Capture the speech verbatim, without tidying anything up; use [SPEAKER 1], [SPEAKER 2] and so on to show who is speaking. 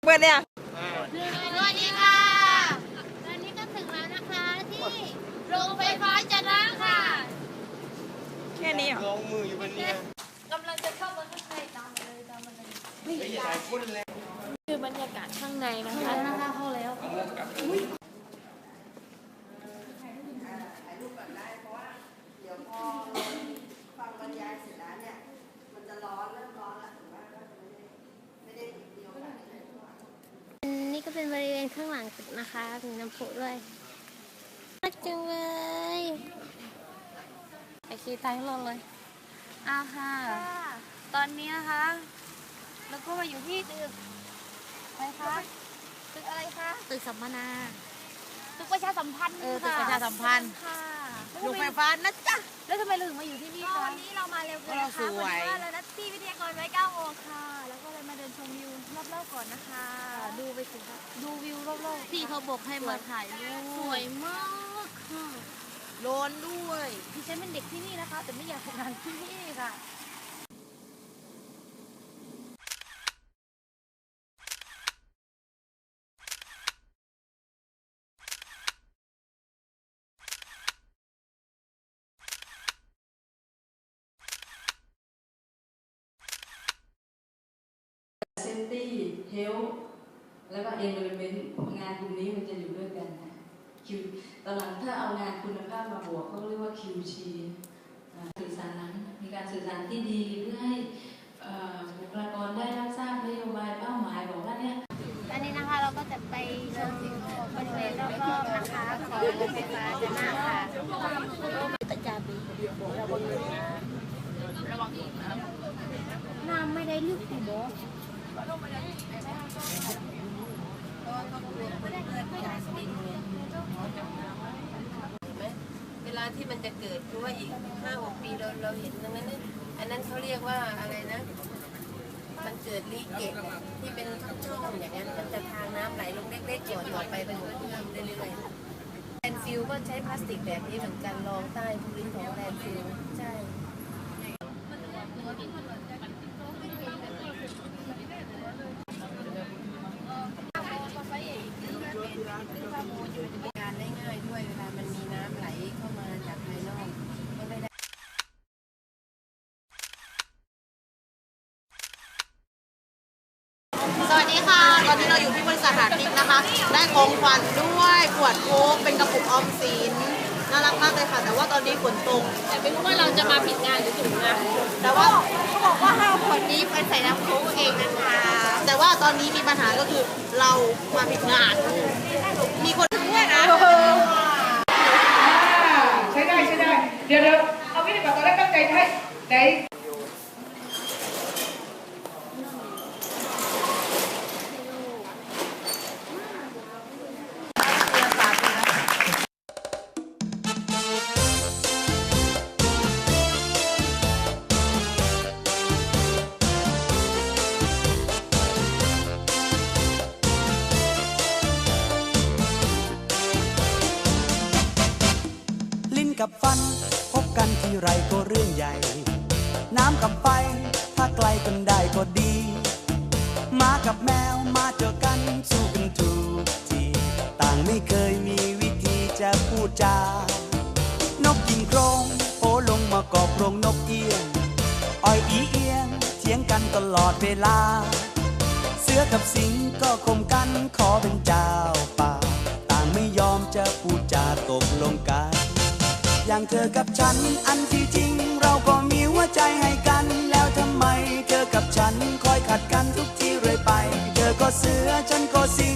[SPEAKER 1] เปิดเนี่ย
[SPEAKER 2] สวัสดีค่ะตอนนี้ก็ถึงแล้วนะคะที่โรงไฟฟ้าจะนะค่ะ
[SPEAKER 1] แค่นี้เหรอ
[SPEAKER 3] ลงมืออยู่บนนี้
[SPEAKER 2] กำลังจะเข้ามาข้างในตามมาเลยตามมาเลย
[SPEAKER 3] ไม่ใช่พุ่นเลย
[SPEAKER 2] คือบรรยากาศข้างในนะคะนะคะเข้าแล้ว
[SPEAKER 4] ฟังบรรยายเสร็จแล้วเนี่ยมันจะร้อนเริ่มร้อนแล้วถึงว่าไม่ได้เดียวกัน
[SPEAKER 2] นี่ก็เป็นบริเวณข้างหลังนะคะมีน้ำพุด้วยน่าจังเลยไปขี่ท้ายรถเลยอ่าค่ะตอนนี้นะคะแล้วก็มาอยู่ที่ตึกอะไรคะตึกอะไรคะตึกสัมมนาตึกประชาสัมพันธ์
[SPEAKER 1] เออตึกประชาสัมพันธ์
[SPEAKER 2] ค่ะ
[SPEAKER 1] โรงไฟฟ้านะจ๊ะ
[SPEAKER 2] แล้วทำไมเราถึงมาอยู่ที่นี่คะวันนี้เรามาเร็วเกินนะคะวันนี้ว่าเรานัดที่วิทยากรไว้เก้าโมงค่ะแล้วก็เลยมาเดินชมวิวรอบๆก่อนนะคะดูไปสิคะดูวิวรอบๆพี่เขาบอกให้มาถ่ายรูปสวยมากค่ะ
[SPEAKER 1] ร้อนด้วย
[SPEAKER 2] ดิฉันเป็นเด็กที่นี่นะคะแต่ไม่อยากทำงานที่นี่ค่ะ
[SPEAKER 4] เซฟตี้เฮลท์แล้วก็เอนเวอร์เมนต์งานกลุ่มนี้มันจะอยู่ด้วยกันนะคิวตอนหลังถ้าเอางานคุณภาพมาบวกเขาเรียกว่า คิว ที สื่อสารนั้นมีการสื่อสารที่ดีเพื่อให้บุคลากรได้รับทราบนโยบายเป้าหมายบอกว่าเนี่ย
[SPEAKER 2] ตอนนี้นะคะเราก็จะไปชมบริเวณรอบๆนะคะของโรงไฟฟ้าจะน่าค่ะประจาบีระวังระวังน้ำไม่ได้ลึกสิโบ
[SPEAKER 5] เวลาที่มันจะเกิดคือว่าอีกห้าหกปีเราเราเห็นตรงนั้นนี่อันนั้นเขาเรียกว่าอะไรนะมันเกิดลีเกตที่เป็นช่องอย่างนั้นมันจะทางน้ำไหลลงเล็กๆก่อนต่อไปเป็นหัวเชื่อมเรื่อยๆแลนด์ฟิลก็ใช้พลาสติกแบบนี้เหมือนกันรองใต้พื้นของแลนด์ฟิลใช่การได้ง่ายด้วยเวลามันมีน้ำไหลเข้ามาจากภายนอกก็ไม่ได้
[SPEAKER 1] สวัสดีค่ะตอนนี้เราอยู่ที่บริษัทหาทิพย์นะคะได้ของขวัญด้วยขวดโค้กเป็นกระปุกออมสินน่ารักมากเลยค่ะแต่ว่าตอนนี้ฝนตก
[SPEAKER 2] แต่ไม่รู้ว่าเราจะมาผิดงานหรือถูกงาน
[SPEAKER 1] แต่ว่า
[SPEAKER 2] เขาบอกว่าห้าขวดนี้ไปใส่น้ำโค้กเองนะคะ
[SPEAKER 1] แต่ว่าตอนนี้มีปัญหาก็คือเรามาผิดงานมีคนด้วยนะ
[SPEAKER 6] ใช้ได้ใช้ได้เดี๋ยวเดี๋ยวเอาพี่หนึ่งก่อนตอนแรกตั้งใจให้ไหน
[SPEAKER 7] กับฟันพบกันที่ไรก็เรื่องใหญ่น้ำกับไฟถ้าไกลกันได้ก็ดีหมากับแมวมาเจอกันสู้กันทุกทีต่างไม่เคยมีวิธีจะพูดจานกกินโครงโอลงมากอบโรงนกเอี้ยงอ้อยอีเอียงเถียงกันตลอดเวลาเสือกับสิงก็ข่มกันขอเป็นเจ้าป่าต่างไม่ยอมจะพูดจาตกลงกันอย่างเธอกับฉันอันที่จริงเราก็มีหัวใจให้กันแล้วทำไมเธอกับฉันคอยขัดกันทุกทีเรื่อยไปเธอก็เสือฉันก็สิง